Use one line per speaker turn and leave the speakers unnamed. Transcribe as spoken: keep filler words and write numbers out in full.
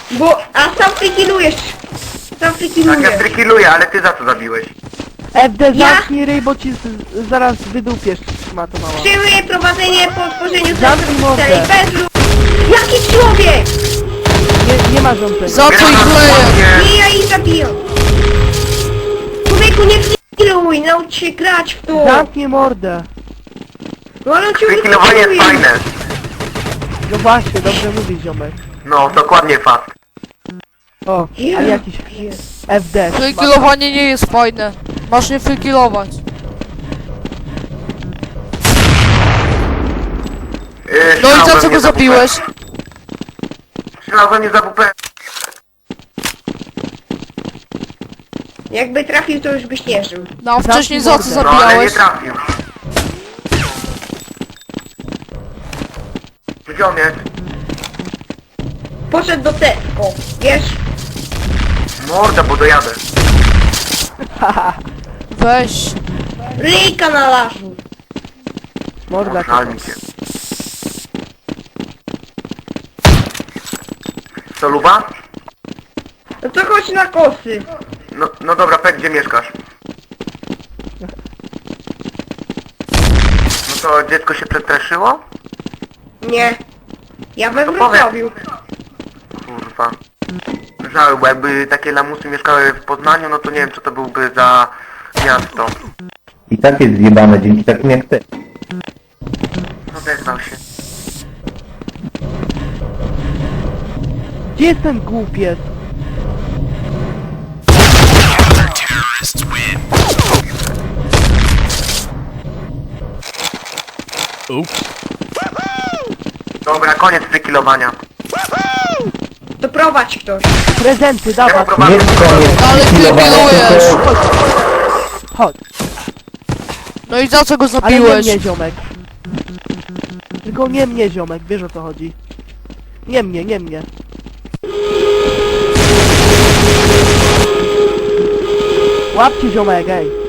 Bo, a sam frikilujesz. Sam
Tak, ja
frikilujesz.
trykiluję, ale ty za co zabiłeś?
F D,
Ja?
zamknij ryj, bo ci z, zaraz wydupiesz, szmato mała.
Przyjmuję prowadzenie po otworzeniu
Zamknij mordę.
bez lub... Jaki człowiek!
Nie, nie ma rządzenia.
Za co ich kleję?
Nie, ja ich zabijam. Człowieku, nie frikiluj, naucz się grać w to.
Zamknij mordę.
No ale on ciągle
Trykilowanie jest
frikiluje.
fajne.
No właśnie, dobrze mówisz, ziomek.
No, dokładnie fast.
O, a jakiś F D.
Frykilowanie nie jest fajne. Masz nie frykilować.
Yy,
No i
strzelał
za
we
co
mnie
go
za
zabiłeś?
W P. Strzelał we mnie za W P.
Jakby trafił, to już byś nie żył.
No a wcześniej za co
No ale nie
zabijałeś?
trafił. Gdzie on jest?
Poszedł do Tesco, wiesz?
Morda, bo dojadę.
Weź.
Ryjka na lasu.
Morda.
Żal mi się. Co, Luba?
No to chodź na kosy.
No, no dobra, Pek, gdzie mieszkasz? No to dziecko się przestraszyło?
Nie. Ja we
To
Wrocławiu.
Kurwa. Żal, bo jakby takie lamusy mieszkały w Poznaniu, no to nie wiem, co to byłby za miasto.
I tak jest zjebane dzięki takim jak ty.
Odezwał się.
Gdzie jest ten głupiec?
Dobra, koniec frykilowania.
To prowadź ktoś.
Prezenty,
Ja
dawaj.
Nie
poprowadzę.
jest koniec
Ale
chwilowania,
pilnujesz.
tylko
Chodź.
No i za co go
Ale nie
zabiłeś?
mnie, ziomek. Tylko nie mnie, ziomek, wiesz o co chodzi. Nie mnie, nie mnie. Łapcie, ziomek, ej.